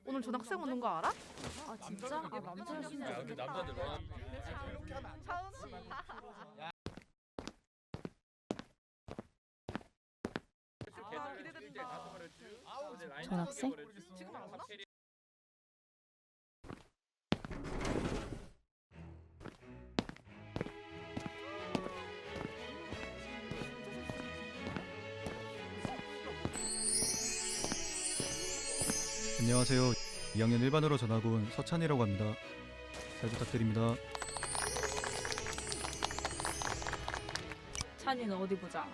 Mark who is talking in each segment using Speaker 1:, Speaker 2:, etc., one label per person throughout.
Speaker 1: 오늘 전학생 오는 거 알아?
Speaker 2: 아 진짜? 아 남자였으면
Speaker 3: 야, 근데
Speaker 2: 좋겠다.
Speaker 3: 남자들 와.
Speaker 2: 전학생?
Speaker 1: 지금 안 오나?
Speaker 4: 안녕하세요. 2학년 1반으로 전학 온 서찬이라고 합니다. 잘 부탁드립니다.
Speaker 2: 찬이는 어디 보자.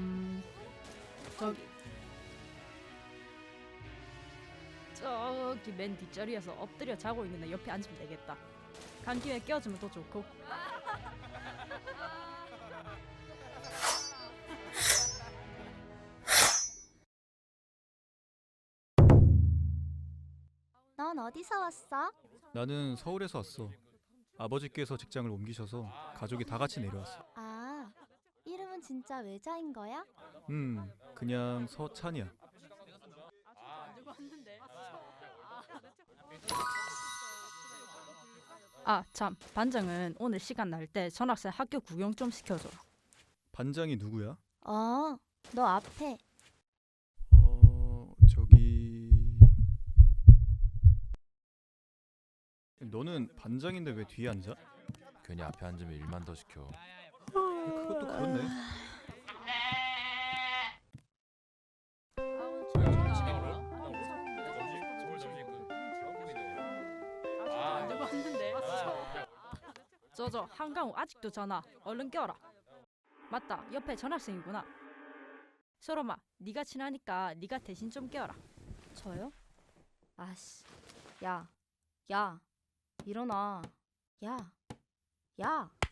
Speaker 2: 저기 맨 뒷자리에서 엎드려 자고 있는 애 옆에 앉으면 되겠다. 간 김에 껴주면 더 좋고.
Speaker 5: 넌 어디서 왔어?
Speaker 4: 나는 서울에서 왔어. 아버지께서 직장을 옮기셔서 가족이 다 같이 내려왔어.
Speaker 5: 아, 이름은 진짜 외자인 거야?
Speaker 4: 그냥 서찬이야.
Speaker 2: 아 참, 반장은 오늘 시간 날 때 전학생 학교 구경 좀 시켜줘.
Speaker 4: 반장이 누구야?
Speaker 5: 너 앞에.
Speaker 4: 저기... 너는 반장인데 왜 뒤에 앉아?
Speaker 3: 괜히 앞에 앉으면 일만 더 시켜.
Speaker 4: 그것도 그렇네.
Speaker 2: 저저 한강우 아직도 전화. 얼른 껴라. 맞다, 옆에 전학생이구나. 소롬아, 네가 친하니까 네가 대신 좀 껴라.
Speaker 5: 저요? 아씨. 야. 일어나. 야.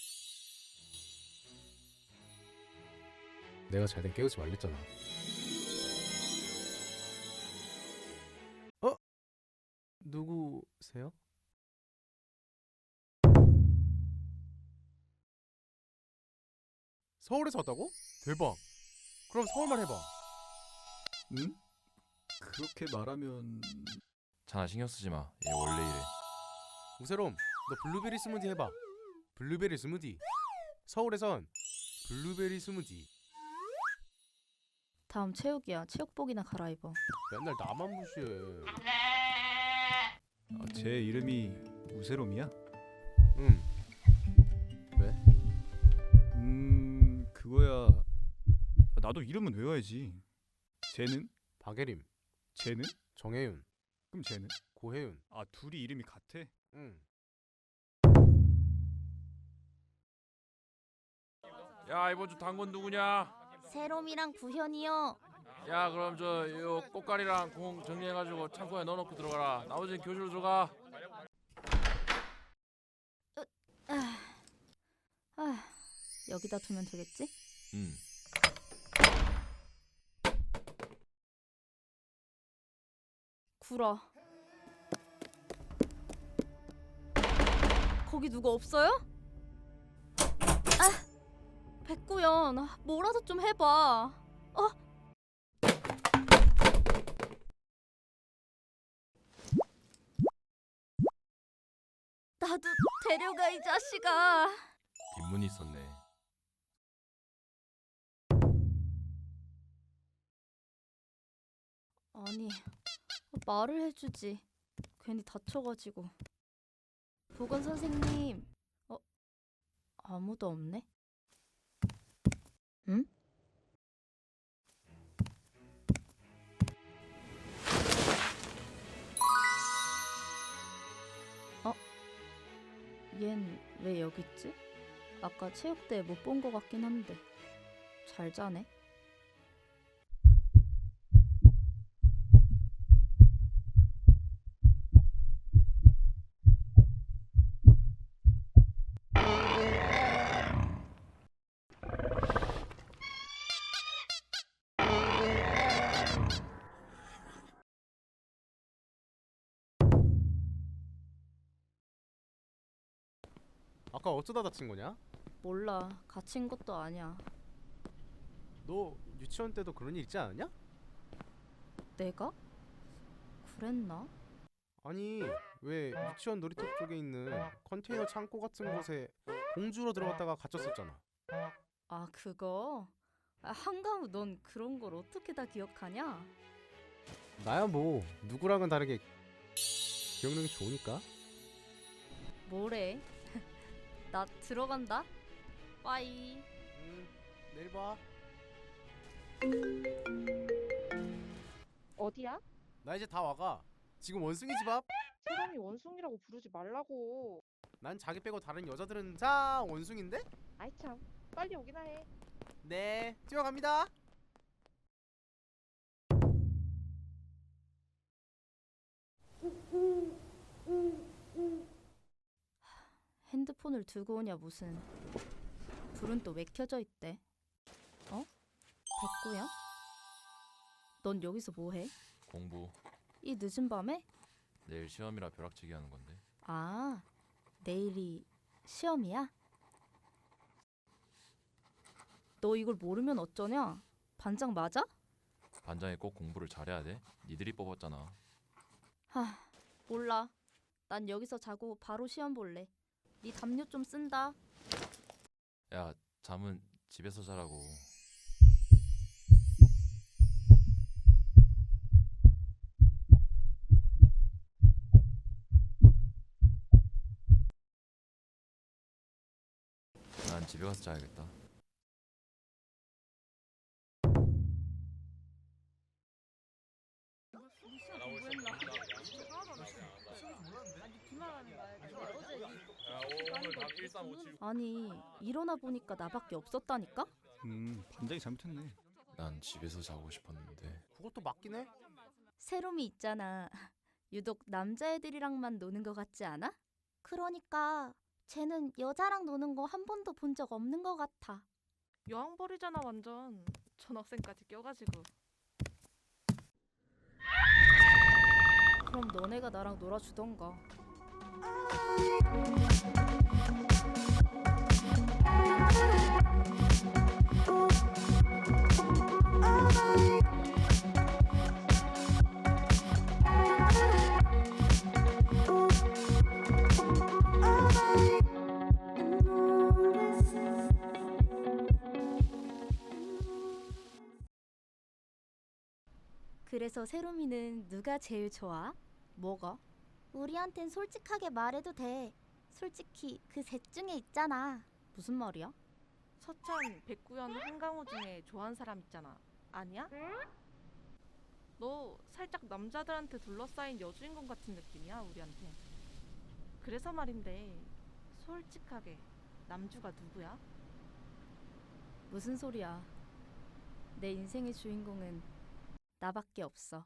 Speaker 6: 내가 잘 때 깨우지 말랬잖아. 누구세요? 서울에서 왔다고? 대박. 그럼 서울말 해봐.
Speaker 4: 응? 그렇게 말하면...
Speaker 3: 찬아 신경 쓰지 마. 얘 원래 이래.
Speaker 6: 우세롬, 너 블루베리 스무디 해봐. 블루베리 스무디. 서울에선 블루베리 스무디.
Speaker 5: 다음 체육이야. 체육복이나 갈아입어.
Speaker 6: 맨날 나만 무시해.
Speaker 4: 제 이름이 우세롬이야?
Speaker 6: 응.
Speaker 4: 그거야... 나도 이름은 외워야지. 쟤는?
Speaker 6: 박예림,
Speaker 4: 쟤는?
Speaker 6: 정혜윤,
Speaker 4: 그럼 쟤는?
Speaker 6: 고혜윤.
Speaker 4: 아, 둘이 이름이 같아?
Speaker 6: 응.
Speaker 3: 야, 이번 주 당번 누구냐?
Speaker 5: 세롬이랑 구현이요.
Speaker 3: 야, 그럼 요 꽃가리랑 공 정리해가지고 창고에 넣어놓고 들어가라. 나머지는 교실로 들어가.
Speaker 5: 여기다 두면 되겠지?
Speaker 3: 응.
Speaker 5: 구라. 거기 누구 없어요? 백구연, 뭐라도 좀 해봐. 나도 데려가, 이 자식아.
Speaker 3: 뒷문이 있었네.
Speaker 5: 아니, 말을 해주지. 괜히 다쳐가지고. 보건 선생님. 아무도 없네. 응? 얜 왜 여기 있지? 아까 체육대회 못 본 거 같긴 한데. 잘 자네.
Speaker 6: 아까 어쩌다 다친 거냐?
Speaker 5: 몰라. 갇힌 것도 아니야.
Speaker 6: 너 유치원 때도 그런 일 있지 않았냐?
Speaker 5: 내가? 그랬나?
Speaker 6: 아니 왜 유치원 놀이터 쪽에 있는 컨테이너 창고 같은 곳에 공주로 들어갔다가 갇혔었잖아.
Speaker 5: 아, 그거? 아, 한강우 넌 그런 걸 어떻게 다 기억하냐?
Speaker 6: 나야 뭐 누구랑은 다르게 기억력이 좋으니까.
Speaker 5: 뭐래? 나 들어간다. 빠이.
Speaker 6: 내일 봐.
Speaker 1: 어디야?
Speaker 6: 나 이제 다 와가. 지금 원숭이 집 앞.
Speaker 1: 사람이 원숭이라고 부르지 말라고.
Speaker 6: 난 자기 빼고 다른 여자들은 다 원숭인데?
Speaker 1: 아이 참, 빨리 오기나 해.
Speaker 6: 네, 뛰어갑니다.
Speaker 5: 핸드폰을 두고 오냐 무슨. 불은 또 왜 켜져 있대? 어? 백구야? 넌 여기서 뭐해?
Speaker 3: 공부.
Speaker 5: 이 늦은 밤에?
Speaker 3: 내일 시험이라 벼락치기 하는 건데.
Speaker 5: 아, 내일이 시험이야? 너 이걸 모르면 어쩌냐? 반장 맞아?
Speaker 3: 반장이 꼭 공부를 잘해야 돼? 니들이 뽑았잖아.
Speaker 5: 하, 몰라. 난 여기서 자고 바로 시험 볼래. 네 담요 좀 쓴다.
Speaker 3: 야, 잠은 집에서 자라고. 난 집에 가서 자야겠다.
Speaker 5: 아니, 일어나 보니까 나밖에 없었다니까?
Speaker 4: 반장이 잘못했네.
Speaker 3: 난 집에서 자고 싶었는데.
Speaker 6: 그것도 맞긴 해.
Speaker 5: 세롬이 있잖아. 유독 남자애들이랑만 노는 것 같지 않아? 그러니까 쟤는 여자랑 노는 거 한 번도 본 적 없는 것 같아.
Speaker 1: 여왕벌이잖아 완전. 전학생까지 껴가지고.
Speaker 5: 그럼 너네가 나랑 놀아주던가. 그래서 세롬이는 누가 제일 좋아? 뭐가? 우리한텐 솔직하게 말해도 돼. 솔직히 그 셋 중에 있잖아. 무슨 말이야?
Speaker 1: 서찬, 백구현, 한강호 중에 좋아하는 사람 있잖아. 아니야? 너 살짝 남자들한테 둘러싸인 여주인공 같은 느낌이야 우리한테. 그래서 말인데 솔직하게 남주가 누구야?
Speaker 5: 무슨 소리야? 내 인생의 주인공은 나밖에 없어.